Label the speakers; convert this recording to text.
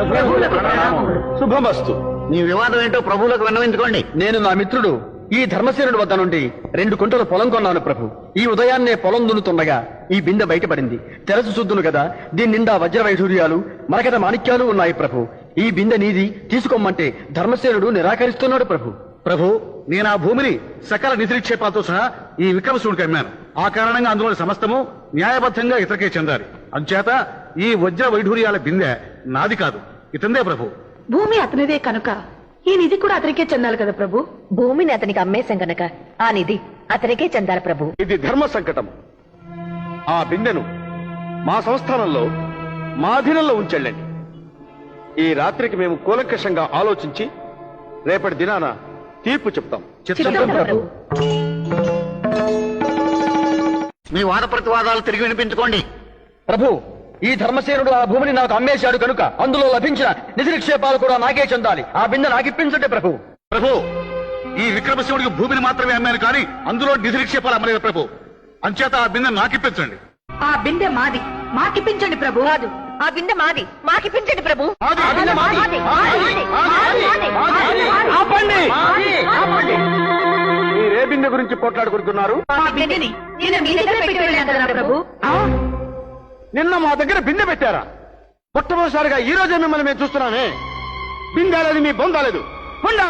Speaker 1: శుభమస్తు.
Speaker 2: నీ వివాదం ఏంటో ప్రభువులకు విన్నవించుకోండి.
Speaker 1: నేను నా మిత్రుడు ఈ ధర్మసేనుడి వద్ద నుండి 2 కుంటల పొలం కొన్నాను ప్రభు. ఈ ఉదయాన్నే పొలం దున్నుతుండగా ఈ బిందె బయటపడింది. తెరచు చూద్దును కదా, దీని నిండా వజ్ర వైఢూర్యాలు మరకత మాణిక్యాలు ఉన్నాయి ప్రభు. ఈ బిందె నీది, తీసుకోమంటే ధర్మసేనుడు నిరాకరిస్తున్నాడు ప్రభు.
Speaker 3: ప్రభు, నేను ఆ భూమిని సకల నిధిక్షేపాలతో సహా ఈ విక్రమశివుడికి అమ్మాను. ఆ కారణంగా అందులోని సమస్తము న్యాయబద్ధంగా ఇతరకే చెందాలి. అంచేత ఈ వజ్ర వైఢూర్యాల బిందె నాది కాదు, ఇతందే ప్రభు.
Speaker 4: భూమి అతనిదే కనుక ఈ నిధి కూడా అతనికే చెందాలి కదా ప్రభు.
Speaker 5: భూమిని అతనికి అమ్మేశాం గనక ఆ నిధి అతనికే చెందాలి ప్రభు.
Speaker 1: ఇది ధర్మ సంకటం. ఆ బిందెను మా సంస్థానంలో మా అధీనంలో ఉంచెళ్ళండి. ఈ రాత్రికి మేము కూలంకషంగా ఆలోచించి రేపటి దినాన తీర్పు చెప్తాం.
Speaker 5: చిత్తం ప్రభు.
Speaker 2: మీ వాద ప్రతివాదాలు తిరిగి వినిపించుకోండి.
Speaker 1: ప్రభు, ఈ ధర్మసేనుడు ఆ భూమిని నాకు అమ్మేశాడు కనుక అందులో లభించిన నిధి నిక్షేపాలు కూడా నాకే చెందాలి. ఆ బిందె నాకిప్పించండి ప్రభు.
Speaker 3: ప్రభు, ఈ విక్రమశివుడికి భూమిని మాత్రమే అమ్మాను కానీ అందులో నిధి నిక్షేపాలు అమ్మలేదు ప్రభు. అంచేత ఆ బిందె నాకిప్పించండి.
Speaker 4: ఆ బిందె మాది, మాకిప్పించండి ప్రభు.
Speaker 5: కాదు, ఆ బిందె మాది, మాకిప్పించండి ప్రభు.
Speaker 1: మీరే బిందె గురించి పోట్లాడుకుంటున్నారు?
Speaker 4: ఆ బిందెని నేను మీ దగ్గర పెట్టి వెళ్ళాను కదా ప్రభు.
Speaker 1: నిన్న మా దగ్గర బిందె పెట్టారా? మొట్టమొదటిసారిగా ఈ రోజే మిమ్మల్ని మేము చూస్తున్నామే. బిందె లేదు, మీ బొందాలేదు.